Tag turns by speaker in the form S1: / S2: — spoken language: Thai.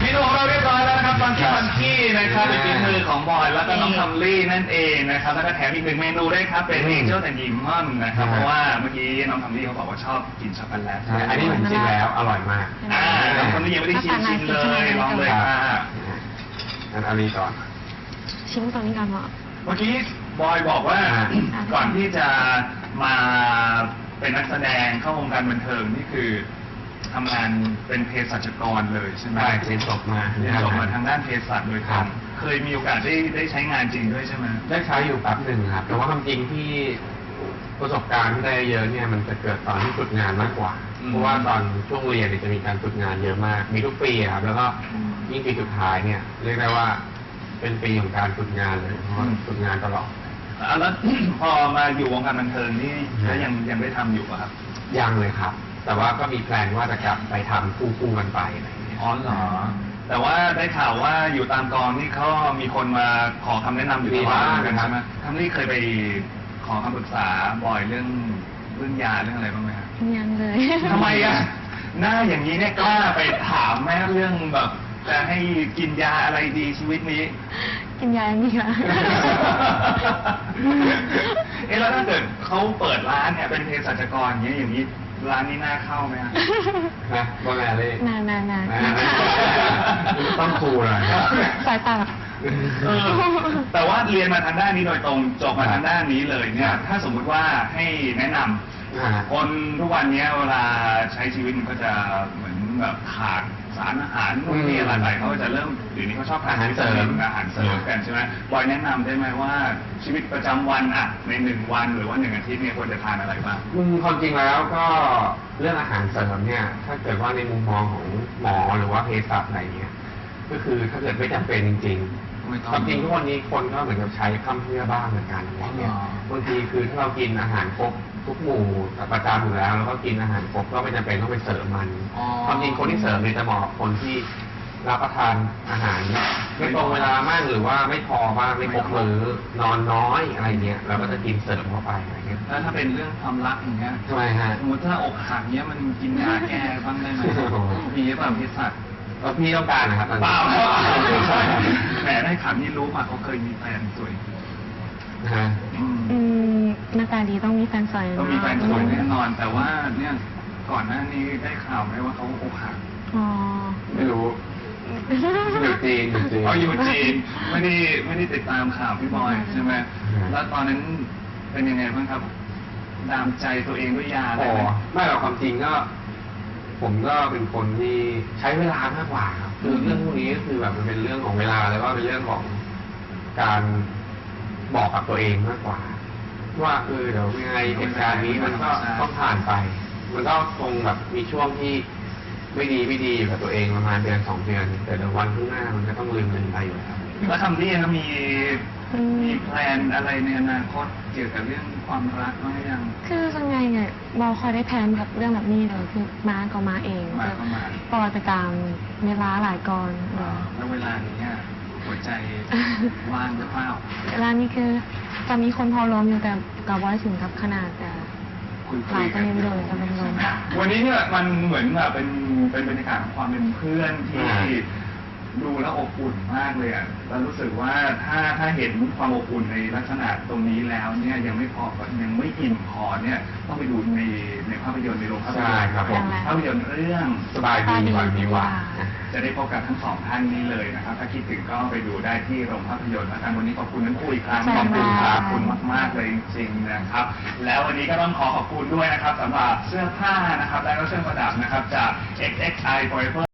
S1: นูของเราเรียบร้อยแล้วนะครับฟังกี้นะครับเป็นฝีมือของบอยแล้วก็น้องคัมลี่นั่นเองนะครับแล้วก็แถมอีกหนึ่งเมนูด้วยครับเป็นเจ้าแต่ยิมมอนนะครับเพราะว่าเมื่อกี้น้องคัมลี่เขาบอกว่าชอบกินช็อกโกแลต
S2: อันนี้ผมชิมแล้วอร่อยมาก
S1: น้องคัมลี่ยังไม่ได้ชิมเลยลองเลยค่ะ
S2: งั้นเอานี้ก่อน
S3: ชิมตรงนี้ก่อนเหรอ
S1: เมื่อกี้บอยบอกว่าก่อนที่จะมาเป็นนักแสดงเข้าวงการบันเทิงนี่คือทำงานเป็นเภสัชกรเลยใช่ไหม
S2: ใช่เรียนจบมา
S1: ทางด้านเภสัชโดยตรงเคยมีโอกาสได้ใช้งานจริงด้วยใช่ไหม
S2: ได้ใช้อยู่แป๊บหนึ่งครับแต่ว่าความจริงที่ประสบการณ์ที่ได้เยอะเนี่ยมันจะเกิดตอนที่ฝึกงานมากกว่าเพราะว่าตอนช่วงเรียนจะมีการฝึกงานเยอะมากมีทุกปีครับแล้วก็ยิ่งปีสุดท้ายเนี่ยเรียกได้ว่าเป็นปีของการฝึกงานเลยเพราะฝึกงานตลอด
S1: แล้วพอมาอยู่วงการบันเทิงนี่ยังได้ทำอยู่ป่ะครับ
S2: ยังเลยครับแต่ว่าก็มีแพลนว่าจะกลับไปทำคู่กันไปอะไรอย่างเงี้ย
S1: อ๋อเหรอแต่ว่าได้ข่าวว่าอยู่ตามกองนี่เขามีคนมาขอคำแนะนำอยู่บ้างกันใช่ไหมทั้งนี้เคยไปขอคำปรึกษาบ่อยเรื่องยาเรื่องอะไรบ้างไหมครับ
S3: ยังเลย
S1: ทำไมอ่ะหน้าอย่างนี้เนี่ยกล้าไปถามแม่เรื่องแบบจะให้กินยาอะไรดีชีวิตนี้
S3: กินยาอย่างนี้ค่ะ
S1: แล้วถ้าเกิดเขาเปิดร้านเนี่ยเป็นเภสัชกรอย่างนี้ร้านนี้น่าเข้าไหมฮะ
S2: นะว่าไงเลย
S3: นาน
S2: ต้องครูเลย
S3: สายตา
S1: แต่ว่าเรียนมาทางด้านนี้โดยตรงจบมาทางด้านนี้เลยเนี่ยถ้าสมมุติว่าให้แนะนำคนทุกวันนี้เวลาใช้ชีวิตมันก็จะเหมือนแบบขาดสารอาหารนู่นนี่อะไรเขาจะเริ่มเดี๋ยวนี้เขาชอบทานอาหารเสริมกันใช่ไหมบอยแนะนำได้ไหมว่าชีวิตประจำวันอ่ะใน1 วันหรือว่า1 อาทิตย์เนี่ยควรจะทานอะไรบ้าง
S2: ความจริงแล้วก็เรื่องอาหารเสริมเนี่ยถ้าเกิดว่าในมุมมองของหมอหรือว่าเภสัชอะไรเงี้ยก็คือถ้าเกิดไม่จำเป็นจริงๆความจริงทุกวันนี้คนก็เหมือนกับใช้คำเพื่อบ้างเหมือนกันอะไรเงี้ยบางทีคือถ้าเรากินอาหารครบทุกหมู่ประจำอยู่แล้วก็กินอาหารครบก็ไม่จำเป็นต้องไปเสริมมันความจริงคนที่เสริมเนี่ยจะเหมาะกับคนที่รับประทานอาหารไม่ตรงเวลามากหรือว่าไม่พอบ้างไม่ครบมื้อนอนน้อยอะไรเงี้ยเราก็จะกินเสริมเข้าไปอะไรเงี้ย
S1: แล้วถ้าเป็นเรื่องความรักอย่างเงี้ย
S2: ทำไมฮะ
S1: สมมติถ้าอกหักเงี้ยมันกินยาแก้บ้างได้ไหมมีหรือเปล่าพิษสัตว์
S2: พี่ต้องการนะครับ
S1: เปล่าแหมได้ข่าวนี้รู้มาเขาเคยมีแฟนสวย
S3: หน้าตาดีต้องมีแฟนสวย
S1: ต้องมีแฟนสวยแน่นอนแต่ว่าเนี่ยก่อนหน้านี้ได้ข่าวไหมว่าเขาอกหัก
S2: ไม่รู้อยู่จีน
S1: อยู่จีนไม่ได้ติดตามข่าวพี่บอยใช่ไหมแล้วตอนนั้นเป็นยังไงบ้างครับดามใจตัวเองด้วยยาอะไรไหม
S2: ไม่หรอกความจริงก็ผมก็เป็นคนที่ใช้เวลามากกว่าครับคือเรื่องพวกนี้ก็คือแบบมันเป็นเรื่องของเวลาแล้วก็เป็นเรื่องของการบอกกับตัวเองมากกว่าว่าเดี๋ยวยังไงเหตุการณ์นี้มันก็ต้องผ่านไปมันก็คงแบบมีช่วงที่ไม่ดีกับตัวเองประมาณเดือน2 เดือนแต่เดี๋ยววันข้างหน้ามันก็ต้องลืมมันไปอยู่แล้ว
S1: แล้วทำนี่แล้วมีแพลนอะไรในอนาคตเกี่ยวกับเรื่องความรักบ้างยัง
S3: คือยังไงเนี่ยบอคอยได้แพลนกับเรื่องแบบนี้เลยคือมาก็มาเองปอจะตามเวลาหลายก่อน
S1: แล้วเวลานี้หัวใจว่างหรือเปล่า
S3: เวลานี้คือจะมีคนพอล้มอยู่แต่กับบอยถึงกับขนาดแต่หลายประเด็นเลยจะเป็นลม
S1: วันนี้เนี่ยมันเหมือนแบบเป็นบรรยากาศของความเป็นเพื่อนที่ดูแล้วอบอุ่นมากเลยอ่ะแล้วรู้สึกว่าถ้าเห็นความอบอุ่นในลักษณะตรงนี้แล้วเนี่ยยังไม่พอยังไม่อิ่มพอเนี่ยต้องไปดูในภาพยนตร์ในโรงภาพยนตร์ภาพยนตร์เรื่อง
S2: สบายดีวันมีว่า
S1: จะได้พบกับทั้ง2 ท่านนี้เลยนะครับถ้าคิดถึงก็ไปดูได้ที่โรงภาพยนตร์นะครับวันนี้ขอบคุณทั้งคู่อีกครั้งขอบคุณมากๆเลยจริงๆนะครับแล้ววันนี้ก็ต้องขอบคุณด้วยนะครับสำหรับเสื้อผ้านะครับและก็เครื่องประดับนะครับจาก XXI Forever